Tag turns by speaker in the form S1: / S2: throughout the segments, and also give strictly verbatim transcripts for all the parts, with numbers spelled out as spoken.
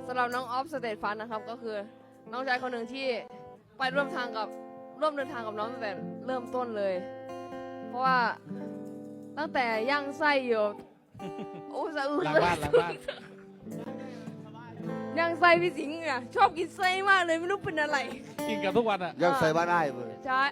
S1: สำหรับน้องออฟสเตทฟันนะครับก็คือน้องชายคนหนึ่งที่ไปร่วมทางกับร่วมเดินทางกับน้องตั้งแต่เริ่มต้นเลย เพราะว่าตั้งแต่ย่างไส้อยู่โอ้สะอึก
S2: หลังบ้านหลังบ้าน
S1: ย่างไส้พี่สิงห์อ่ะชอบกินไส้มากเลยไม่รู้เป็นอะไร
S2: กินกันทุกวันอ่ะ
S3: ยังใส่บ้านได้เลย
S1: ใช่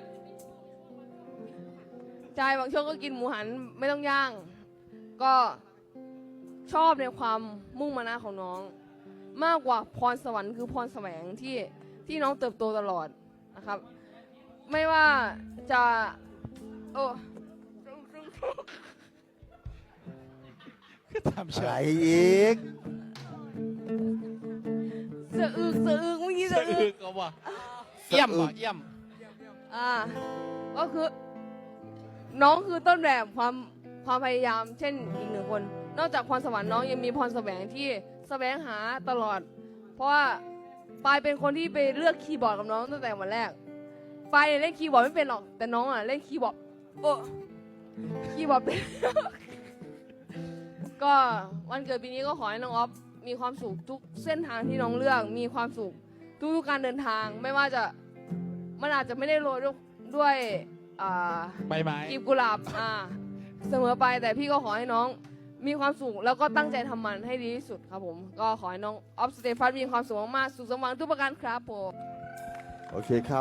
S1: ใช่บางช่วงก็กินหมูหันไม่ต้องย่าง ก็ชอบในความมุ่งมั่นของน้อง มากกว่าพรสวรรค์คือพรแสวงที่ที่น้องเติบโตตลอดนะครับ ไม่ว่าจะโอ้
S2: ทำเฉ
S3: อะไร
S2: ย
S3: อีก
S1: สะอึกสะอึกเมื่อกี้
S2: สะ
S1: สะอึ
S2: อึ
S1: ก
S2: กเอาว่ะเยี่ยมว่ะเยี่ยม
S1: อ่าก็คือ น้องคือต้นแบบความความพยายาม เช่นอีกหนึ่งคน นอกจากพรสวรรค์น้องยังมีพรแสวงที่แสวงหาตลอด เพราะว่าปายเป็นคนที่ไปเลือกคีย์บอร์ดกับน้องตั้งแต่วันแรกปายเนี่ยเล่นคีย์บอร์ดไม่เป็นหรอกแต่น้องอ่ะเล่นคีย์บอร์ดโอ้คีย์บอร์ดเป็น ก็วันเกิดปีนี้ก็ขอให้น้องออฟมีความสุขทุกเส้นทางที่น้องเลือกมีความสุขทุกๆการเดินทางไม่ว่าจะมันอาจจะไม่ได้โรยด้วยด้วยอ่า
S2: ใบไม้
S1: กีบกุหลาบอ่าเสมอไปแต่พี่ก็ขอให้น้องมีความสุขแล้วก็ตั้งใจทำมันให้ดีที่สุดครับผมก็ขอให้น้องออฟสเตฟัสมีความสุขมากๆสุขสมหวังทุกประการครับผม
S3: โอเคครับ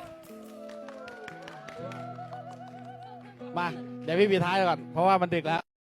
S2: มา เดี๋ยวพี่ปีท้ายก่อน เพราะว่ามันดึกแล้ว